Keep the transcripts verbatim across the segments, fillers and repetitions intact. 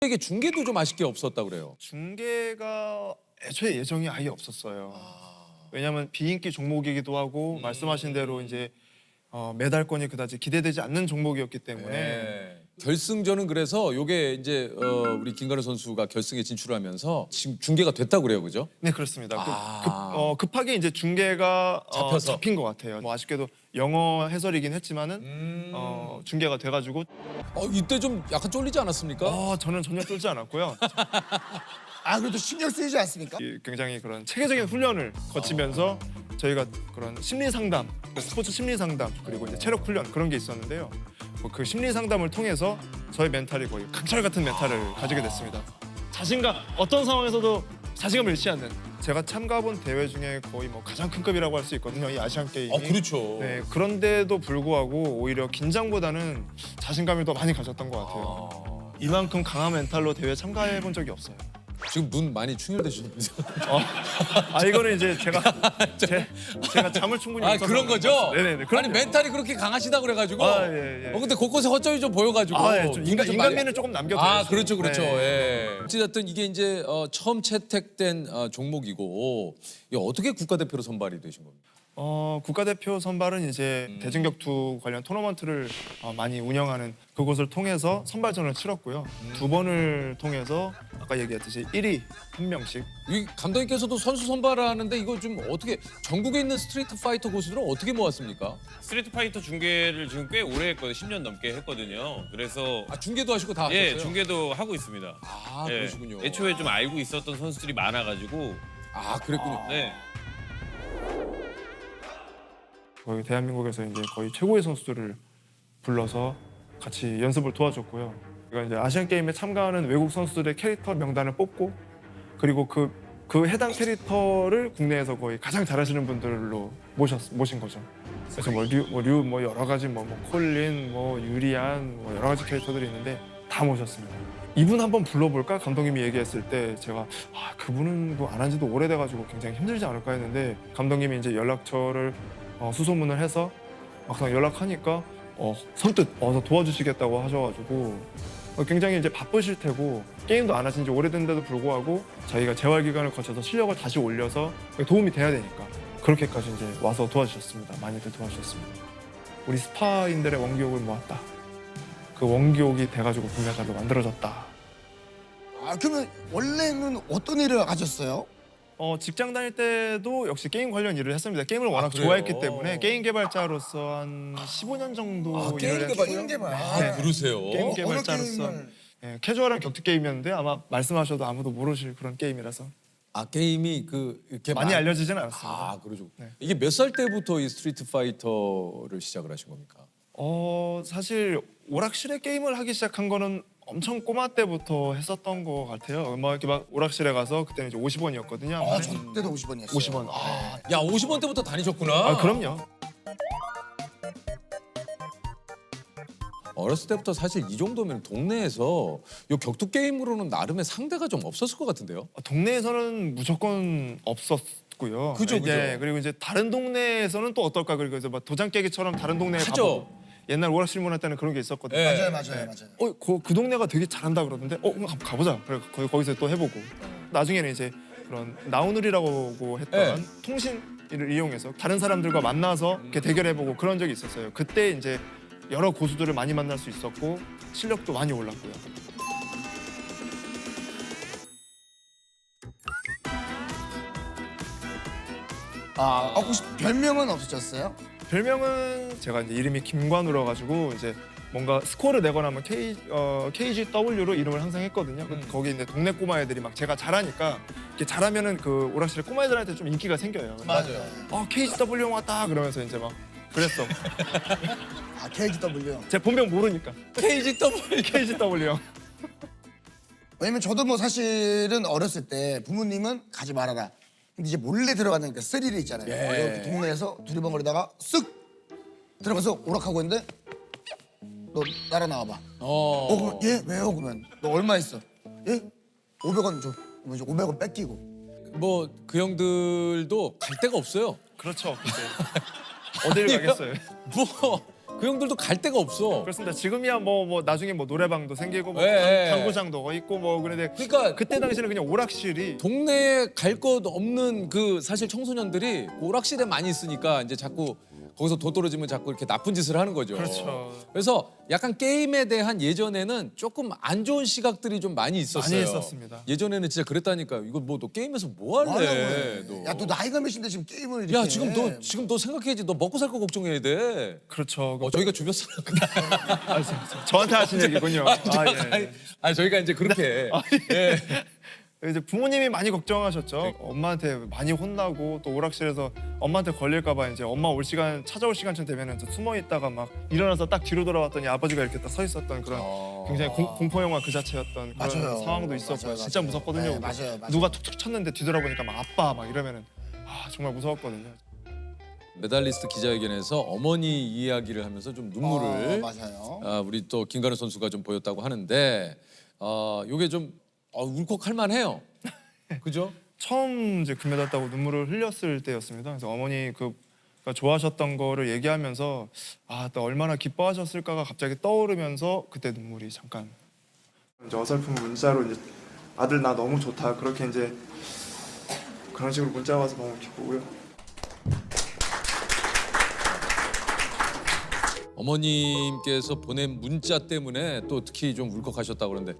이게 중계도 좀 아쉽게 없었다 그래요. 중계가 애초에 예정이 아예 없었어요. 왜냐하면 비인기 종목이기도 하고 음. 말씀하신 대로 이제 어, 메달권이 그다지 기대되지 않는 종목이었기 때문에 네. 결승전은 그래서 요게 이제 어, 우리 김가루 선수가 결승에 진출하면서 지금 중계가 됐다고 그래요, 그죠? 네 그렇습니다. 그 아. 급, 어, 급하게 이제 중계가 어, 잡혀서. 잡힌 것 같아요. 뭐 아쉽게도 영어 해설이긴 했지만은 음. 어, 중계가 돼가지고 어, 이때 좀 약간 쫄리지 않았습니까? 어, 저는 전혀 쫄지 않았고요. 아 그래도 신경 쓰이지 않습니까? 이 굉장히 그런 체계적인 훈련을 거치면서 저희가 그런 심리 상담, 스포츠 심리 상담 그리고 이제 체력 훈련 그런 게 있었는데요. 뭐그 심리 상담을 통해서 저의 멘탈이 거의 강철 같은 멘탈을 가지게 됐습니다. 자신감 어떤 상황에서도 자신감을 잃지 않는 제가 참가본 대회 중에 거의 뭐 가장 큰 급이라고 할 수 있거든요. 이 아시안 게임이. 아, 그렇죠. 네, 그런데도 불구하고 오히려 긴장보다는 자신감을 더 많이 가졌던 것 같아요. 아. 이만큼 강한 멘탈로 대회 참가해 본 적이 없어요. 지금 눈 많이 충혈되시면서. 어. 아 이거는 이제 제가 제, 제가 잠을 충분히 아 못 자서 그런 거죠? 네네네. 아니 그럼요. 멘탈이 그렇게 강하시다 그래가지고. 아, 예, 예. 어 근데 곳곳에 허점이 좀 보여가지고. 아, 예, 좀 눈이 인간 좀 인간미는 많이- 조금 남겨둬요. 아 그렇죠 그렇죠. 네. 예. 어쨌든 이게 이제 어, 처음 채택된 어, 종목이고 이게 어떻게 국가대표로 선발이 되신 겁니까? 어 국가대표 선발은 이제 음. 대중격투 관련 토너먼트를 어, 많이 운영하는 그곳을 통해서 선발전을 치렀고요. 음. 두 번을 통해서 아까 얘기했듯이 일 위 한 명씩. 이 감독님께서도 선수 선발하는데 이거 좀 어떻게 전국에 있는 스트리트 파이터 고수들은 어떻게 모았습니까? 스트리트 파이터 중계를 지금 꽤 오래 했거든요. 십 년 넘게 했거든요. 그래서 아 중계도 하시고 다 하셨어요? 예, 중계도 하고 있습니다. 아 예, 그러시군요. 애초에 좀 알고 있었던 선수들이 많아가지고 아 그랬군요. 네. 거의 대한민국에서 이제 거의 최고의 선수들을 불러서 같이 연습을 도와줬고요. 그러니까 이제 아시안 게임에 참가하는 외국 선수들의 캐릭터 명단을 뽑고 그리고 그, 그 해당 캐릭터를 국내에서 거의 가장 잘하시는 분들로 모셨 모신 거죠. 그래서 뭐 류 뭐 류 뭐 여러 가지 뭐, 뭐 콜린 뭐 유리안 뭐 여러 가지 캐릭터들이 있는데 다 모셨습니다. 이분 한번 불러볼까 감독님이 얘기했을 때 제가 아 그분은 뭐 안 한지도 오래돼가지고 굉장히 힘들지 않을까 했는데 감독님이 이제 연락처를 어, 수소문을 해서 막상 연락하니까 어, 선뜻 와서 도와주시겠다고 하셔가지고 어, 굉장히 이제 바쁘실 테고 게임도 안 하신 지 오래된데도 불구하고 저희가 재활 기간을 거쳐서 실력을 다시 올려서 도움이 돼야 되니까 그렇게까지 이제 와서 도와주셨습니다. 많이들 도와주셨습니다. 우리 스파인들의 원기옥을 모았다. 그 원기옥이 돼가지고 금메달로 만들어졌다. 아 그러면 원래는 어떤 일을 하셨어요? 어, 직장 다닐 때도 역시 게임 관련 일을 했습니다. 게임을 워낙 그래요? 좋아했기 때문에 게임 개발자로서 한 십오 년 정도 아, 게임 일을 개발, 했고요. 게임 개발. 아 네. 그러세요? 게임 어느 개발자로서 게임을? 예, 캐주얼한 격투 게임이었는데 아마 말씀하셔도 아무도 모르실 그런 게임이라서 아 게임이 그 이렇게 많이 많- 알려지지는 않았습니다. 아 그러죠. 네. 이게 몇 살 때부터 이 스트리트 파이터를 시작을 하신 겁니까? 어 사실 오락실에 게임을 하기 시작한 거는 엄청 꼬마 때부터 했었던 것 같아요. 막 이렇게 막 오락실에 가서 그때는 이제 오십 원이었거든요. 아, 저 때도 오십 원이었어요. 오십 원. 아, 야 오십 원 때부터 다니셨구나. 아 그럼요. 어렸을 때부터 사실 이 정도면 동네에서 요 격투 게임으로는 나름의 상대가 좀 없었을 것 같은데요. 동네에서는 무조건 없었고요. 그죠, 이제 그죠. 그리고 이제 다른 동네에서는 또 어떨까 그리고 이제 막 도장 깨기처럼 다른 동네에 하죠. 가보고 옛날 오락실 문화 때는 그런 게 있었거든요. 예. 맞아요, 맞아요, 맞아요. 어, 그, 그 동네가 되게 잘한다 그러던데, 어, 그럼 한번 가보자. 그래 거기 거기서 또 해보고. 나중에는 이제 그런 나우누리라고 했던 네. 통신을 이용해서 다른 사람들과 만나서 이렇게 대결해보고 그런 적이 있었어요. 그때 이제 여러 고수들을 많이 만날 수 있었고 실력도 많이 올랐고요. 아, 어, 혹시 별명은 없으셨어요? 별명은 제가 이제 이름이 김관우라 가지고 이제 뭔가 스코어를 내거나 하면 K 어, 케이지더블유로 이름을 항상 했거든요. 음. 거기 이제 동네 꼬마 애들이 막 제가 잘하니까 이렇게 잘하면은 그 오락실에 꼬마 애들한테 좀 인기가 생겨요. 맞아요. 아 케이지더블유 형 왔다 그러면서 이제 막 그랬어. 아, 케이지더블유. 제 본명 모르니까 케이지 더블. 케이지더블유 형. 왜냐면 저도 뭐 사실은 어렸을 때 부모님은 가지 말아라. 근데 이제 몰래 들어가는 그 스릴이 있잖아요. 예. 이렇게 동네에서 두리번거리다가 쓱 들어가서 오락하고 있는데 너 따라 나와봐. 어. 어, 그러면 얘 왜요? 그러면 너 얼마 있어? 예? 오백 원 줘. 그러면 이제 오백 원 뺏기고. 뭐 그 형들도 갈 데가 없어요. 그렇죠. 그때 어딜 가겠어요. 뭐 그 형들도 갈 데가 없어. 그렇습니다. 지금이야 뭐 뭐 나중에 뭐 노래방도 생기고 뭐 예, 예. 당- 당구장도 있고 뭐 그런데 그러니까 그때 당시에는 그냥 오락실이 동네에 갈 것 없는 그 사실 청소년들이 오락실에 많이 있으니까 이제 자꾸 거기서 도 떨어지면 자꾸 이렇게 나쁜 짓을 하는 거죠. 그렇죠. 그래서 약간 게임에 대한 예전에는 조금 안 좋은 시각들이 좀 많이 있었어요. 많이 있었습니다. 예전에는 진짜 그랬다니까. 이거 뭐 너 게임에서 뭐 할래? 너. 야너 나이가 몇인데 지금 게임을 이렇게 야 지금 해. 너 지금 너 생각해야지. 너 먹고 살 거 걱정해야 돼. 그렇죠. 어 저희가 주변 사람. 아, 저- 저- 저한테 하신 얘기군요. 아, 예. 아니, 아니 저희가 이제 그렇게. 예. 이제 부모님이 많이 걱정하셨죠. 엄마한테 많이 혼나고 또 오락실에서 엄마한테 걸릴까봐 이제 엄마 올 시간 찾아올 시간쯤 되면은 또 숨어 있다가 막 일어나서 딱 뒤로 돌아왔더니 아버지가 이렇게 딱 서 있었던 그런 어. 굉장히 공, 공포 영화 그 자체였던 그런 맞아요. 상황도 있었고요. 맞아요, 진짜 맞아요. 무섭거든요. 네, 맞아요, 맞아요. 누가 툭툭 쳤는데 뒤돌아보니까 막 아빠 막 이러면은 아 정말 무서웠거든요. 메달리스트 기자회견에서 어머니 이야기를 하면서 좀 눈물을 어, 맞아요. 아, 우리 또 김가루 선수가 좀 보였다고 하는데 어, 요게 좀 어, 울컥할 만해요. 그죠? 처음 이제 금메달 따고 눈물을 흘렸을 때였습니다. 그래서 어머니 그 그러니까 좋아하셨던 거를 얘기하면서 아, 또 얼마나 기뻐하셨을까가 갑자기 떠오르면서 그때 눈물이 잠깐 이제 어설픈 문자로 이제 아들 나 너무 좋다 그렇게 이제 그런 식으로 문자 와서 너무 기쁘고요. 어머님께서 보낸 문자 때문에 또 특히 좀 울컥하셨다고 그러는데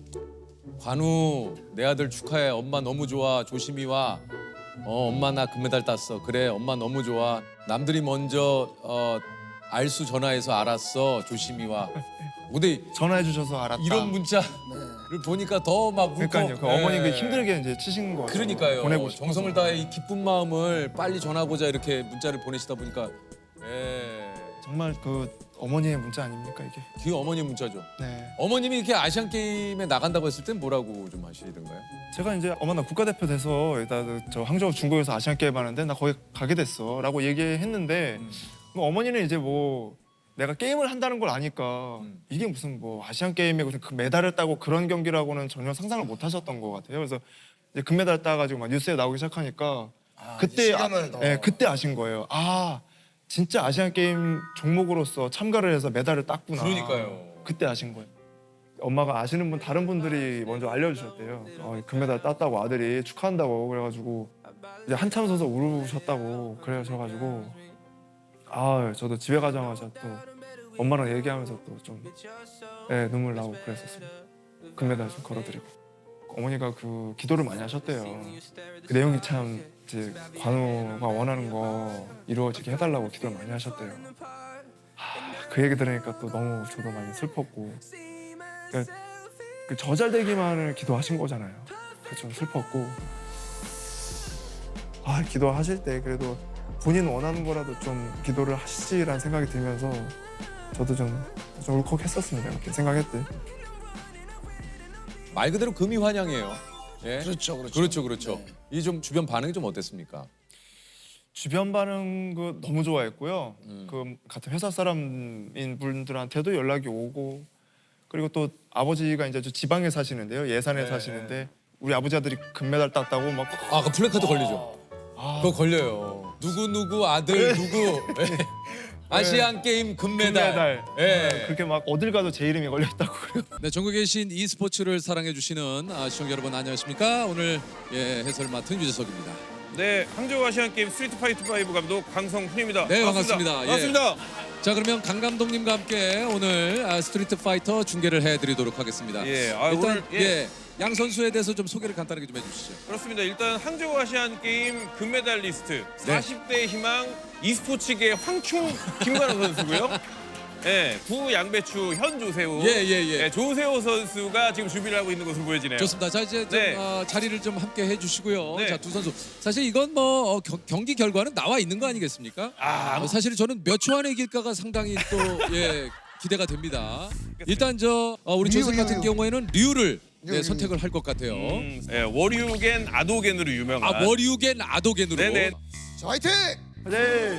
관우 내 아들 축하해. 엄마 너무 좋아. 조심히 와. 어 엄마 나 금메달 땄어. 그래 엄마 너무 좋아. 남들이 먼저 어, 알수 전화해서 알았어. 조심히 와. 근데 전화해 주셔서 알았다. 이런 문자를 보니까 더 막 울컥. 그러니까요. 그 예. 어머니 그 힘들게 이제 치신 거 그러니까요. 보내고 싶어서. 정성을 다해 이 기쁜 마음을 빨리 전하고자 이렇게 문자를 보내시다 보니까 예. 정말 그 어머니의 문자 아닙니까 이게? 그 어머니 문자죠. 네. 어머님이 이렇게 아시안 게임에 나간다고 했을 땐 뭐라고 좀 하시던가요? 제가 이제 엄마 나 국가대표 돼서 일단 저 항저우 중국에서 아시안 게임 하는데 나 거기 가게 됐어라고 얘기했는데 음. 뭐 어머니는 이제 뭐 내가 게임을 한다는 걸 아니까 음. 이게 무슨 뭐 아시안 게임에 무슨 그 메달을 따고 그런 경기라고는 전혀 상상을 못 하셨던 것 같아요. 그래서 이제 금메달 따가지고 막 뉴스에 나오기 시작하니까 아, 그때 이제 아, 실감을 더. 예, 그때 아신 거예요. 아 진짜 아시안 게임 종목으로서 참가를 해서 메달을 땄구나. 그러니까요. 그때 아신 거예요. 엄마가 아시는 분 다른 분들이 먼저 알려주셨대요. 어, 금메달 땄다고 아들이 축하한다고 그래가지고 이제 한참 서서 울으셨다고 그러셔가지고 아 저도 집에 가자마자 또 엄마랑 얘기하면서 또 좀 네, 눈물 나고 그랬었습니다. 금메달 좀 걸어드리고 어머니가 그 기도를 많이 하셨대요. 그 내용이 참 이제 관우가 원하는 거 이루어지게 해달라고 기도를 많이 하셨대요. 하, 그 얘기 들으니까 또 너무 저도 많이 슬펐고 그러니까 그 저잘되기만을 기도하신 거잖아요. 그래서 슬펐고 아 기도하실 때 그래도 본인 원하는 거라도 좀 기도를 하시지라는 생각이 들면서 저도 좀, 좀 울컥했었습니다. 그렇게 생각했대. 말 그대로 금이 환영이에요. 예? 그렇죠, 그렇죠. 그렇죠, 그렇죠. 네. 이 좀 주변 반응이 좀 어땠습니까? 주변 반응 그 너무 좋아했고요. 음. 그 같은 회사 사람인 분들한테도 연락이 오고 그리고 또 아버지가 이제 저 지방에 사시는데요. 예산에 네. 사시는데 우리 아버지 아들이 금메달 땄다고 막 아, 그 플래카드 걸리죠. 아, 그거 걸려요. 누구 누구 아들 누구 예. 아시안 게임 금메달. 금메달. 예. 네, 그렇게 막 어딜 가도 제 이름이 걸려 있다고 그래요. 네, 전국에 계신 e스포츠를 사랑해 주시는 아, 시청자 여러분 안녕하십니까? 오늘 예, 해설 맡은 유재석입니다. 네, 항저우 아시안 게임 스트리트 파이트 파이브 감독 강성훈입니다. 네, 반갑습니다. 예. 반갑습니다. 자, 그러면 강 감독님과 함께 오늘 아, 스트리트 파이터 중계를 해드리도록 하겠습니다. 예, 아, 일단 오늘, 예. 예, 양 선수에 대해서 좀 소개를 간단하게 좀 해주시죠. 그렇습니다. 일단 항저우 아시안 게임 금메달리스트 네. 사십 대 희망 e스포츠계 황충 김관우 선수고요. 네, 구 양배추 현 조세호. 예, 예, 예. 네, 조세호 선수가 지금 준비를 하고 있는 것으로 보여지네요. 좋습니다. 자 이제 좀, 네. 어, 자리를 좀 함께 해주시고요. 네. 자 두 선수 사실 이건 뭐 어, 겨- 경기 결과는 나와 있는 거 아니겠습니까? 아, 어, 사실 저는 몇 초 안에 이길까가 상당히 또 예, 기대가 됩니다. 일단 저 어, 우리 류, 조셉 류, 같은 류. 경우에는 류를 류, 네, 류. 선택을 할 것 같아요. 음, 네, 워류겐 아도겐으로 유명한. 아 머리우겐 아도겐으로. 네네. 자, 화이팅! 네.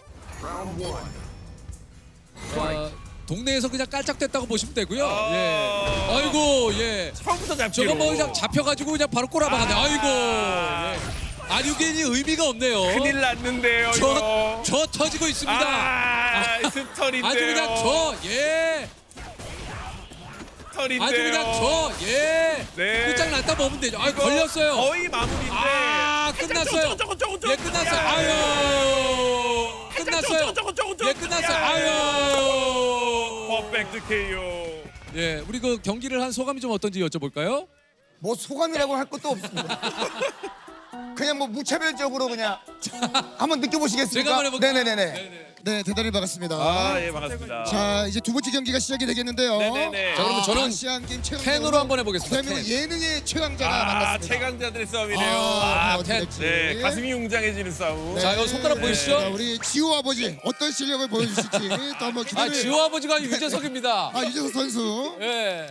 자, 동네에서 그냥 깔짝댔다고 보시면 되고요. 아. 예. 아이고 예. 처음부터 잡기로. 저거 뭐 그냥 잡혀가지고 그냥 바로 꼬라박았네. 아. 아이고. 예. 아류겐이 의미가 없네요. 큰일 났는데요, 저, 이거. 저 터지고 있습니다. 아, 스털인데요. 아주 그냥 저, 예. 스털인데요. 아주 그냥 저, 예. 네. 끝장났다 보면 되죠. 아, 이거 걸렸어요. 거의 마무리인데. 아, 끝났어요. 저거, 저거, 저거, 예, 끝났어요. 아유. 끝났어요. 저거, 저거, 저거, 예, 끝났어요. 아유. 퍼펙트 케이오. 예, 우리 그 경기를 한 소감이 좀 어떤지 여쭤볼까요? 뭐 소감이라고 할 것도 없습니다. 그냥 뭐 무차별적으로 그냥 한번 느껴보시겠습니까? 제가 한번 해볼게요. 네네네네. 네네. 네, 대단히 반갑습니다. 아, 예, 반갑습니다. 자, 이제 두 번째 경기가 시작이 되겠는데요. 네네네. 자, 그러면 저는 아시안 게임 최강 팬으로 한번 해보겠습니다. 대한민국 팬. 예능의 최강자가 아, 만났습니다. 최강자들의 싸움이네요. 아, 아, 어떻게 팬. 될지. 네, 가슴이 웅장해지는 싸움. 네. 자, 이거 손가락 자, 보이시죠? 우리 지호 아버지 어떤 실력을 보여주실지 또 한번 아, 기대를. 지호 아버지가 아니고 유재석입니다. 아, 유재석 선수. 예.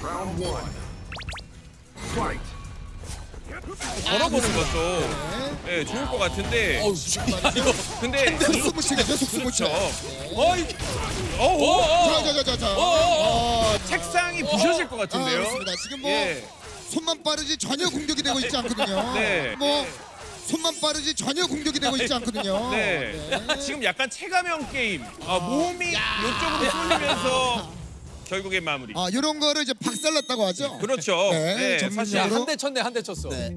걸어보는 것도 예, 좋을 것 같은데. 어우, 야, 이거. 근데 속수무책이죠, 속수무책. 어이. 어우, 어, 어. 자, 자, 자, 자, 자. 어, 어. 어, 책상이 부셔질 것 아, 같은데요. 그렇습니다. 지금 뭐 예. 손만 빠르지 전혀 공격이 되고 있지 않거든요. 네. 뭐 손만 빠르지 전혀 공격이 되고 있지 않거든요. 네. 네. 지금 약간 체감형 게임. 아, 몸이 이쪽으로 쏠리면서 결국엔 마무리. 아, 이런 거를 이제 박살났다고 하죠. 그렇죠. 네, 네, 전문적으로. 사실 야, 한 대 쳤네, 한 대 쳤어. 네.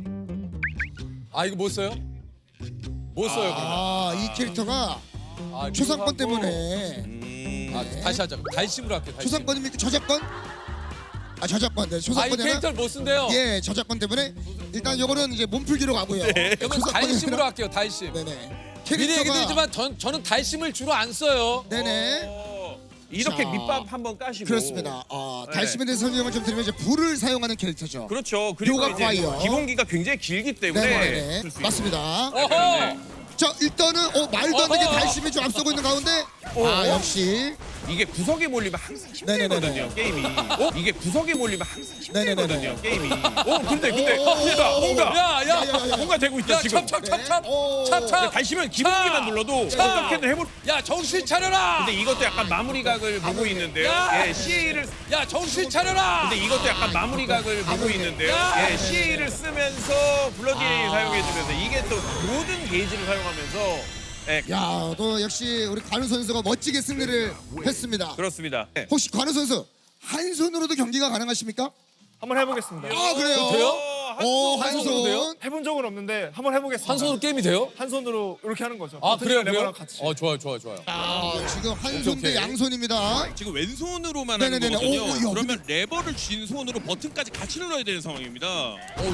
아, 이거 못 써요? 못 써요, 그러면. 아, 이 캐릭터가 아, 초상권 미국하고- 때문에 음, 아, 다시 하자. 달심으로 할게요. 달심. 초상권입니까? 저작권? 아, 저작권. 네, 아, 이 초상권이 캐릭터를 못 쓴대요. 예, 저작권 때문에 일단 요거는 이제 몸풀기로 가고요. 그러면 초상권이 달심으로 아니라- 할게요. 달심. 네네. 미리 얘기 캐릭터가 드리지만 전, 저는 달심을 주로 안 써요. 네네. 어, 이렇게 자, 밑밥 한번 까시고. 그렇습니다. 어, 네. 달심에 대해서 설명을 좀 드리면 이제 불을 사용하는 캐릭터죠. 그렇죠. 그리고 요가 이제 파이어. 기본기가 굉장히 길기 때문에 네네네. 쓸수 있는. 맞습니다. 어허! 자, 일단은 어, 말도 안 되게 어허. 달심이 좀 앞서고 있는 가운데 어. 아, 역시 이게 구석에 몰리면 항상 네네네네. 힘들거든요. 게임이. 어? 이게 구석에 몰리면 항상 네네네네. 힘들거든요. 게임이. 어, 근데 근데 오, 뭔가 오, 뭔가 야, 야. 야, 야, 야. 뭔가 되고 있다 야, 지금. 찹찹찹찹. 오. 찹찹. 다시면 기본기만 눌러도 차. 어떻게든 해볼. 야, 정신 차려라. 근데 이것도 약간 마무리 각을 보고 있는데요. 야. 예, 씨에이를. 야, 정신 차려라. 근데 이것도 약간 마무리 각을 보고 있는데요. 야. 예, 씨에이를 쓰면서 블러디에이 아. 사용해주면서 이게 또 모든 게이지를 사용하면서. 예, 야, 또 역시 우리 관우 선수가 멋지게 승리를 했습니다. 그렇습니다. 예. 혹시 관우 선수 한 손으로도 경기가 가능하십니까? 한번 해보겠습니다. 아, 그래요? 돼요? 오, 한 한 손으로 돼요? 손. 해본 적은 없는데 한번 해보겠습니다. 한 손으로 게임이 돼요? 한 손으로 이렇게 하는 거죠. 아, 버튼 그래요, 레버랑 그래요? 같이. 어, 좋아요, 좋아요, 좋아요. 아, 지금 한 손 대 오케이. 양손입니다. 지금 왼손으로만 네네네네. 하는 거거든요. 오, 오, 야, 그러면 레버를 쥔 손으로 버튼까지 같이 눌러야 되는 상황입니다. 어우.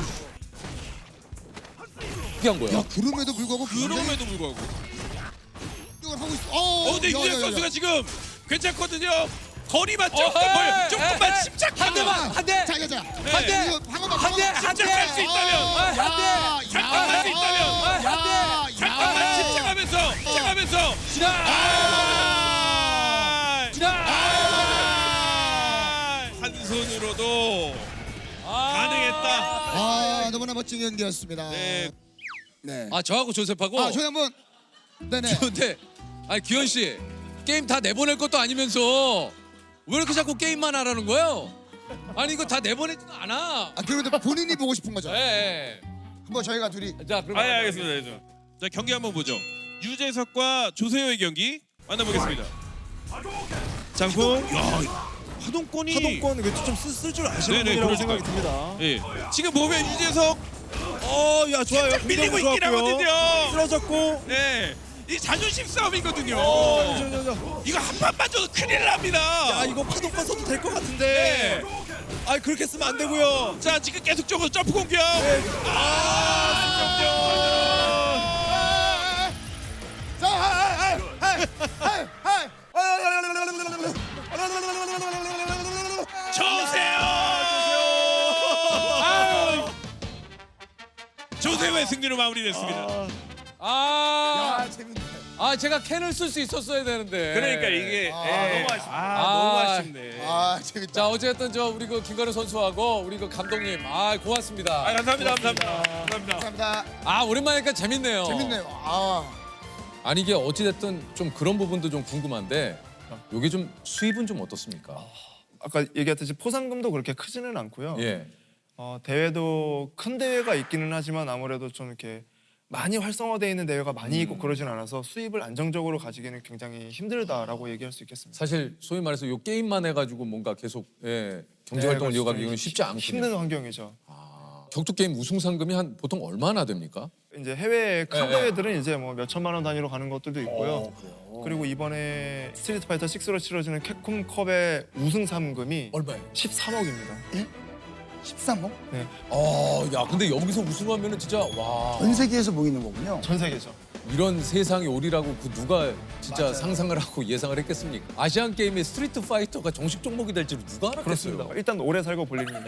어떻게 한 거야? 야, 그럼에도 불구하고 굉장히 그럼에도 불구하고. 공격을 하고 있어. 어, 어, 근데 야, 야, 유재 야, 선수가 야. 지금 괜찮거든요. 거리만 조금 어헤이, 벌, 조금만 에헤이. 침착하면 한 대만, 한 대. 자, 자, 자. 한 대. 이거 방어막, 한 대, 방어막. 한 대. 침착할 수 있다면. 아, 한 대. 잠깐만 수 있다면. 아, 한 대. 잠깐만 침착하면서, 침착하면서. 지나. 아! 지나. 아! 한 손으로도 가능했다. 아, 너무나 멋진 경기였습니다. 네. 네. 아, 저하고 조셉하고. 아, 저희 한번 네네. 근데 아니 규현 씨 게임 다 내보낼 것도 아니면서 왜 이렇게 자꾸 게임만 하라는 거예요? 아니 이거 다 내보내지도 않아. 아, 그래도 본인이 보고 싶은 거죠. 예. 한번 저희가 둘이 예. 자 그럼. 아, 예, 알겠습니다. 알겠습니다. 자, 경기 한번 보죠. 유재석과 조세호의 경기 만나보겠습니다. 장풍. 야, 화동권이. 하동권 외투 좀 쓸 줄 아시는 네네, 분이라고 그러니까요. 생각이 듭니다. 예. 지금 보면 유재석 어, 야 좋아요. 살짝 밀리고 공격도 있긴 좋았고요. 하거든요. 쓰러졌고. 네. 이 자존심 싸움이거든요. 어, 저, 저, 저. 이거 한 판만 줘도 큰일 납니다. 야 이거 파동권 써도 될 것 같은데. 아 그렇게 쓰면 안 되고요. 자, 지금 계속적으로 점프 공격. 자, 하이, 하이, 하이, 하이, 조세호. 조세호의 승리로 마무리됐습니다. 아, 야, 재밌네. 아 제가 캔을 쓸 수 있었어야 되는데. 그러니까 이게 아, 예. 너무 아쉽다. 아, 아. 너무 아쉽네. 아, 재밌다. 자 어쨌든 저 우리 그 김가루 선수하고 우리 그 감독님 아 고맙습니다. 아, 감사합니다. 감사합니다. 감사합니다. 감사합니다. 아 오랜만이니까 재밌네요. 재밌네요. 아, 아니 이게 어찌 됐든 좀 그런 부분도 좀 궁금한데 요게 좀 수입은 좀 어떻습니까? 아까 얘기했듯이 포상금도 그렇게 크지는 않고요. 예. 어, 대회도 큰 대회가 있기는 하지만 아무래도 좀 이렇게 많이 활성화되어 있는 대회가 많이 있고 그러진 않아서 수입을 안정적으로 가지기는 굉장히 힘들다라고 얘기할 수 있겠습니다. 사실 소위 말해서 요 게임만 해가지고 뭔가 계속 예, 경제 활동을 네, 이어가기는 그렇죠. 쉽지 않군요. 힘든 환경이죠. 격투 게임 우승 상금이 한 보통 얼마나 됩니까? 이제 해외 큰 네, 네. 대회들은 이제 뭐 몇 천만 원 단위로 가는 것들도 있고요. 그리고 이번에 스트리트 파이터 식스로 치러지는 캡콤컵의 우승 상금이 얼마예요? 십삼억입니다. 십삼억? 아, 야, 근데 여기서 우승하면은 진짜 와. 전 세계에서 모이는 거군요. 전 세계죠. 이런 세상이 오리라고 그 누가 진짜 맞아요. 상상을 하고 예상을 했겠습니까? 아시안 게임의 스트리트 파이터가 정식 종목이 될지는 누가 알았겠어요? 그렇습니다. 일단 오래 살고 볼 일입니다.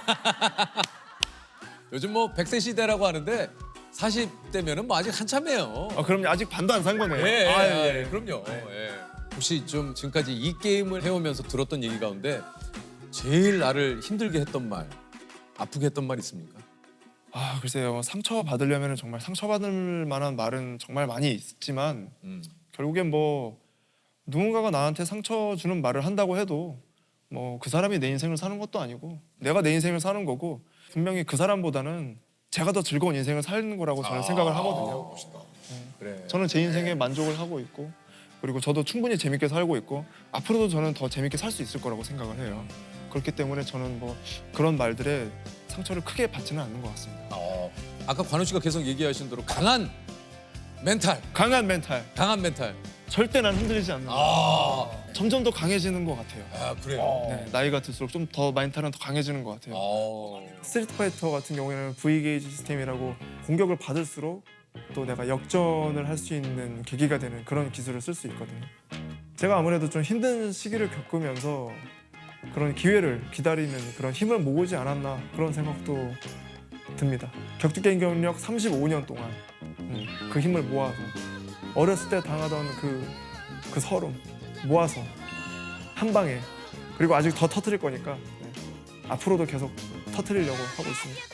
요즘 뭐 백 세 시대라고 하는데 사십 대면은 뭐 아직 한참이에요. 아, 그럼 아직 반도 안 산 거네요. 예, 예, 아, 예, 그럼요. 예. 혹시 좀 지금까지 이 게임을 해오면서 들었던 얘기 가운데 제일 나를 힘들게 했던 말, 아프게 했던 말 있습니까? 아, 글쎄요. 상처 받으려면 정말 상처받을 만한 말은 정말 많이 있지만 음. 결국엔 뭐 누군가가 나한테 상처 주는 말을 한다고 해도 뭐 그 사람이 내 인생을 사는 것도 아니고 내가 내 인생을 사는 거고 분명히 그 사람보다는 제가 더 즐거운 인생을 사는 거라고 저는 생각을 하거든요. 그래. 저는 제 인생에 만족을 하고 있고 그리고 저도 충분히 재밌게 살고 있고 앞으로도 저는 더 재밌게 살 수 있을 거라고 생각을 해요. 그렇기 때문에 저는 뭐 그런 말들에 상처를 크게 받지는 않는 것 같습니다. 어, 아까 관우 씨가 계속 얘기하신 대로 강한 멘탈, 강한 멘탈, 강한 멘탈. 절대 난 흔들리지 않는다. 아, 점점 더 강해지는 것 같아요. 아 그래요. 네, 나이가 들수록 좀 더 멘탈은 더 강해지는 것 같아요. 어. 스트리트 파이터 같은 경우에는 V 게이지 시스템이라고 공격을 받을수록 또 내가 역전을 할 수 있는 계기가 되는 그런 기술을 쓸 수 있거든요. 제가 아무래도 좀 힘든 시기를 겪으면서 그런 기회를 기다리는 그런 힘을 모으지 않았나 그런 생각도 듭니다. 격투 게임 경력 삼십오 년 동안 음, 그 힘을 모아서 어렸을 때 당하던 그, 그 서름 모아서 한 방에 그리고 아직 더 터뜨릴 거니까 네, 앞으로도 계속 터뜨리려고 하고 있습니다.